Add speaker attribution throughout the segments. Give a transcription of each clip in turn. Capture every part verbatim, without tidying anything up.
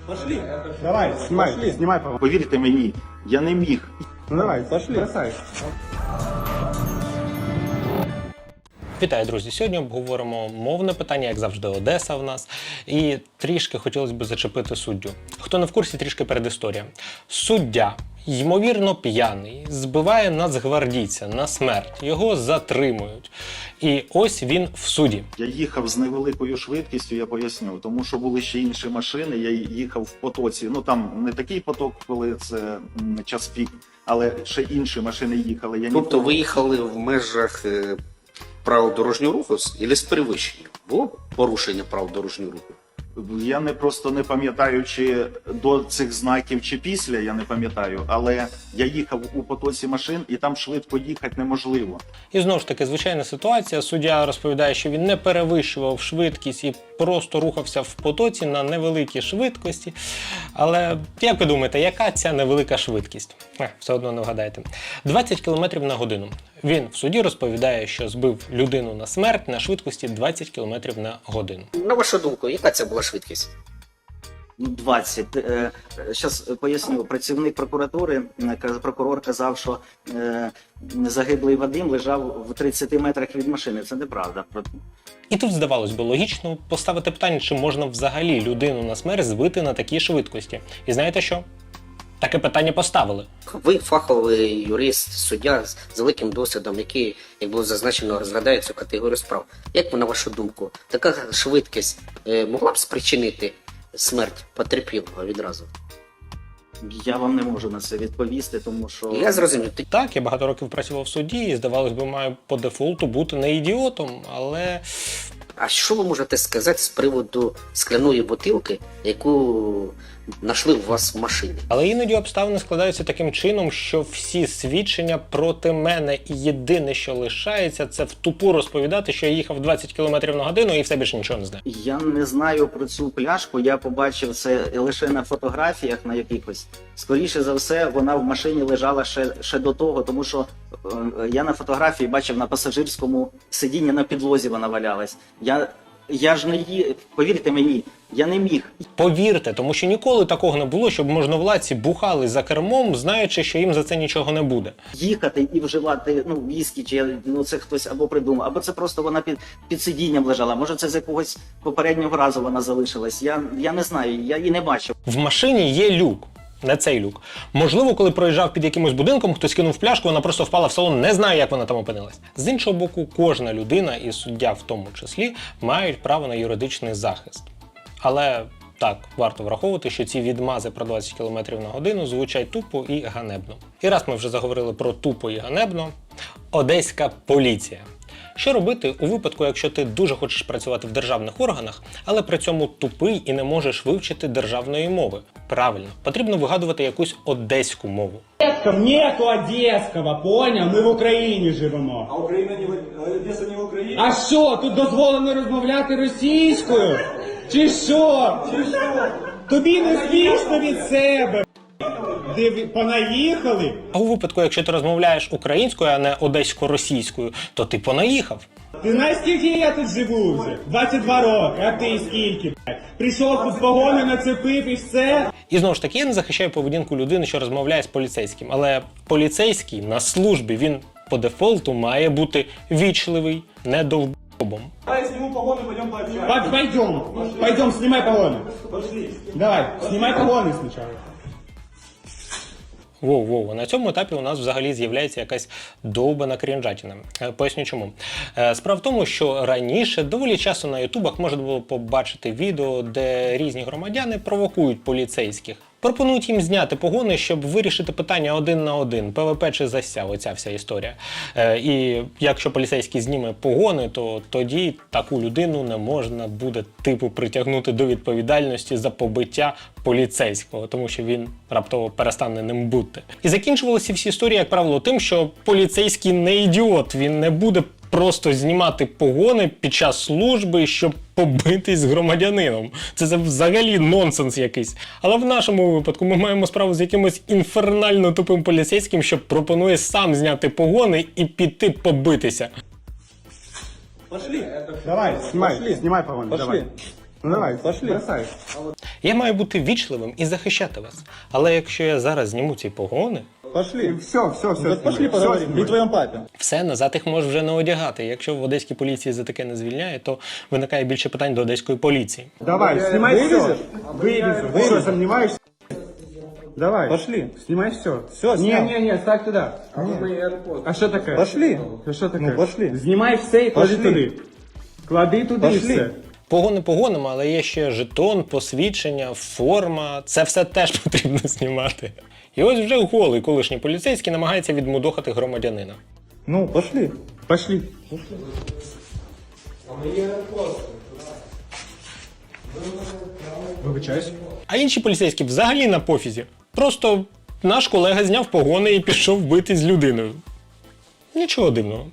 Speaker 1: Пошли. Давай, снимай, Пошли. снимай, по
Speaker 2: Повірте мені, я не міг.
Speaker 1: Ну давай, пошли. Бросай.
Speaker 3: Вітаю, друзі! Сьогодні обговоримо мовне питання, як завжди, Одеса в нас. І трішки хотілося б зачепити суддю. Хто не в курсі, трішки передісторія. Суддя, ймовірно п'яний, збиває нацгвардійця на смерть. Його затримують. І ось він в суді.
Speaker 2: Я їхав з невеликою швидкістю, я поясню, тому що були ще інші машини, я їхав в потоці. Ну там не такий поток, коли це м, час пік, але ще інші машини їхали. Я
Speaker 4: Тобто
Speaker 2: ніколи...
Speaker 4: ви їхали в межах е, правил дорожнього руху або з перевищенням? Було порушення правил дорожнього руху?
Speaker 2: Я не просто не пам'ятаю, чи до цих знаків, чи після, я не пам'ятаю, але я їхав у потоці машин, і там швидко їхати неможливо.
Speaker 3: І знову ж таки, звичайна ситуація. Суддя розповідає, що він не перевищував швидкість і просто рухався в потоці на невеликій швидкості. Але як ви думаєте, яка ця невелика швидкість? Е, все одно не вгадаєте. двадцять кілометрів на годину. Він в суді розповідає, що збив людину на смерть на швидкості двадцять кілометрів на годину.
Speaker 4: На вашу думку, яка це була швидкість?
Speaker 5: Ну, двадцять. Зараз поясню. Працівник прокуратури, е, каже, прокурор казав, що е, загиблий Вадим лежав в тридцяти метрах від машини. Це неправда.
Speaker 3: І тут, здавалось би, логічно поставити питання, чи можна взагалі людину на смерть збити на такій швидкості. І знаєте що? Таке питання поставили.
Speaker 4: Ви фаховий юрист, суддя з великим досвідом, який, як було зазначено, розглядає цю категорію справ. Як ви, на вашу думку, така швидкість е, могла б спричинити смерть потерпілого відразу?
Speaker 5: Я вам не можу на це відповісти, тому що...
Speaker 4: Я зрозумів.
Speaker 3: Так, я багато років працював в суді і, здавалось би, маю по дефолту бути не ідіотом, але...
Speaker 4: А що ви можете сказати з приводу скляної бутилки, яку знайшли у вас в машині?
Speaker 3: Але іноді обставини складаються таким чином, що всі свідчення проти мене, і єдине, що лишається, це в тупу розповідати, що я їхав двадцять кілометрів на годину і все більше нічого не знаю.
Speaker 5: Я не знаю про цю пляшку, я побачив це лише на фотографіях на якихось. Скоріше за все, вона в машині лежала ще, ще до того, тому що е, я на фотографії бачив на пасажирському сидінні на підлозі вона валялась. Я, я ж не ї... Повірте мені, я не міг.
Speaker 3: Повірте, тому що ніколи такого не було, щоб можновладці бухали за кермом, знаючи, що їм за це нічого не буде.
Speaker 5: Їхати і вживати ну, віскі, чи ну, це хтось або придумав, або це просто вона під, під сидінням лежала. Може це з якогось попереднього разу вона залишилась. Я, я не знаю, я її не бачив.
Speaker 3: В машині є люк. Не цей люк. Можливо, коли проїжджав під якимось будинком, хтось кинув пляшку, вона просто впала в салон, не знаю, як вона там опинилась. З іншого боку, кожна людина, і суддя в тому числі, мають право на юридичний захист. Але так, варто враховувати, що ці відмази про двадцять кілометрів на годину звучать тупо і ганебно. І раз ми вже заговорили про тупо і ганебно, одеська поліція. Що робити у випадку, якщо ти дуже хочеш працювати в державних органах, але при цьому тупий і не можеш вивчити державної мови? Правильно, потрібно вигадувати якусь одеську мову.
Speaker 1: Нету одеського, поняв? Ми в Україні живемо.
Speaker 6: А Україна не в Одеса не в Україні?
Speaker 1: А що, тут дозволено розмовляти російською? Чи що?
Speaker 6: Чи що?
Speaker 1: Тобі не смішно від себе? Де ви понаїхали?
Speaker 3: А у випадку, якщо ти розмовляєш українською, а не одесько-російською, то ти понаїхав.
Speaker 1: Ти знаєш, скільки я тут живу вже? двадцять два роки, а ти скільки, блядь? Прийшов тут погони, нацепив і все?
Speaker 3: І знову ж таки, я не захищаю поведінку людини, що розмовляє з поліцейським. Але поліцейський на службі, він по дефолту має бути вічливий, не довбом.
Speaker 6: Давай я сниму погоны, пойдем пообщаемся.
Speaker 1: Пойдем, пойдем, снимай погоны.
Speaker 6: Пошли.
Speaker 1: Давай, снимай погоны сначала.
Speaker 3: Воу-воу, на цьому етапі у нас взагалі з'являється якась довбана крінжатіна. Е, Поясню чому. Е, Справа в тому, що раніше доволі часто на ютубах можна було побачити відео, де різні громадяни провокують поліцейських. Пропонують їм зняти погони, щоб вирішити питання один на один, ПВП чи зася, оця вся історія. Е, і якщо поліцейський зніме погони, то тоді таку людину не можна буде типу притягнути до відповідальності за побиття поліцейського, тому що він раптово перестане ним бути. І закінчувалися всі історії, як правило, тим, що поліцейський не ідіот, він не буде просто знімати погони під час служби, щоб побитись з громадянином. Це, це взагалі нонсенс якийсь. Але в нашому випадку ми маємо справу з якимось інфернально тупим поліцейським, що пропонує сам зняти погони і піти побитися.
Speaker 6: Пошли.
Speaker 1: Давай, снимай, снимай погоны, давай. Ну давай, пошли. Бросай.
Speaker 3: Я маю бути вічливим і захищати вас. Але якщо я зараз зніму ці погони,
Speaker 1: Пошли. Все, все, все. Вот пошли поговорим. При твоем папе.
Speaker 3: все, назад їх можеш вже не одягати. Якщо в одеській поліції за таке не звільняє, то виникає більше питань до одеської поліції.
Speaker 1: Давай, снимай все. Вывезу. Ты что, сомневаешься? Давай. Пошли. Снимай все. Все,
Speaker 6: Не, не, не, ставь туда.
Speaker 1: А что такое? Пошли. А что такое? Ну, пошли. Знімай все і клади туди. Клади туди і все.
Speaker 3: Погони погонами, але є ще жетон, посвідчення, форма. Це все теж потрібно знімати. І ось вже голий колишній поліцейський намагається відмудохати громадянина.
Speaker 1: Ну, пошли. Пошли. Вибачаюсь.
Speaker 3: А інші поліцейські взагалі на пофізі. Просто наш колега зняв погони і пішов битись з людиною. Нічого дивного.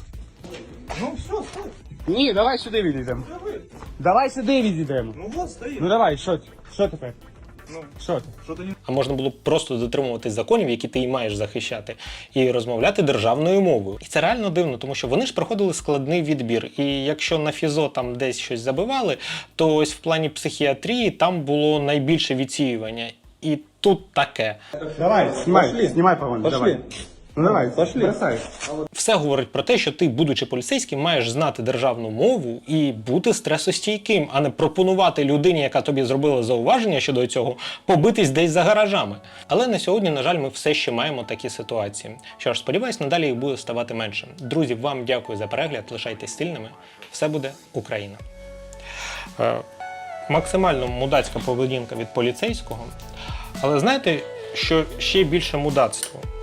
Speaker 1: Ні, давай сюди відійдемо. Давай сюди відійдемо. Ну вот стоїть. Ну давай, що, що тепер? Ну, що ти?
Speaker 3: А можна було б просто дотримуватись законів, які ти і маєш захищати, і розмовляти державною мовою. І це реально дивно, тому що вони ж проходили складний відбір. І якщо на фізо там десь щось забивали, то ось в плані психіатрії там було найбільше відсіювання. І тут таке.
Speaker 1: Давай, знімай, знімай погони, давай. Ну давай, пошли. Бросай.
Speaker 3: Все говорить про те, що ти, будучи поліцейським, маєш знати державну мову і бути стресостійким, а не пропонувати людині, яка тобі зробила зауваження щодо цього, побитись десь за гаражами. Але на сьогодні, на жаль, ми все ще маємо такі ситуації. Що ж, сподіваюсь, надалі їх буде ставати менше. Друзі, вам дякую за перегляд, лишайтесь стильними. Все буде Україна. Е, максимально мудацька поведінка від поліцейського. Але знаєте, що ще більше мудацтво?